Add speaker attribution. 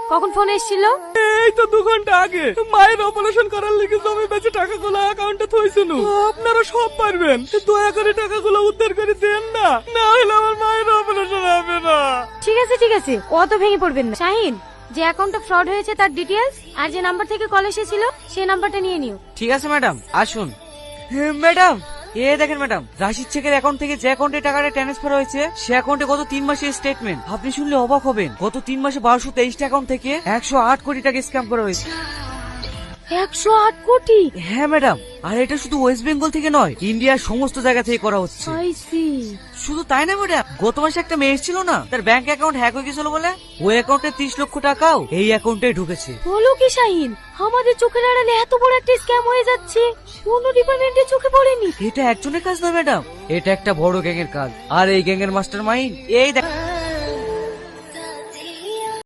Speaker 1: কখন ফোন এসেছিল?
Speaker 2: এই তো 2 ঘন্টা আগে। মায়ের অপারেশন করার লিগে জমি বেচে টাকাগুলো অ্যাকাউন্টে থইছিল। আপনারা সব পারবেন, দয়া করে টাকাগুলো উদ্ধার করে দেন না, না হলে আমার মায়ের অপারেশন হবে না।
Speaker 1: ঠিক আছে অত ভেঙে পড়বেন না। শাহিন, যে অ্যাকাউন্টটা ফ্রড হয়েছে তার ডিটেইলস আর যে নাম্বার থেকে কল এসেছিল সেই নাম্বারটা নিয়ে নিও।
Speaker 3: ঠিক আছে ম্যাডাম, আসুন। ম্যাডাম, দেখেন ম্যাডাম, রাশিদ শেখের অ্যাকাউন্ট থেকে যে অ্যাকাউন্টে টাকাটা ট্রান্সফার হয়েছে সে অ্যাকাউন্টে গত 3 মাসের স্টেটমেন্ট। আপনি শুনলে অবাক হবেন, গত 3 মাসে 1223 অ্যাকাউন্ট থেকে 108 কোটি টাকা স্ক্যাম করা হয়েছে।
Speaker 1: 108 কোটি?
Speaker 3: হ্যাঁ ম্যাডাম, আর এটা শুধু ওয়েস্ট বেঙ্গল থেকে নয়, ইন্ডিয়ার সমস্ত জায়গা থেকে করা হচ্ছে।
Speaker 1: I see.
Speaker 3: শুধু তাই না ম্যাডাম, গত মাসে একটা মেয়ে ছিল না, তার ব্যাংক অ্যাকাউন্ট হ্যাক হয়ে গেছিল বলে ওই অ্যাকাউন্টে 30 লক্ষ টাকাও এই অ্যাকাউন্টে ঢুকেছে।
Speaker 1: বলো কি শাহিন, আমাদের চোখের আড়ালে এত বড় একটা স্ক্যাম হয়ে যাচ্ছে, কোনো ডিপার্টমেন্টের চোখে পড়েনি।
Speaker 3: এটা একজনের কাজ নয় ম্যাডাম, এটা একটা বড় গ্যাংয়ের কাজ। আর এই গ্যাংয়ের মাস্টার মাইন্ড এই দেখ।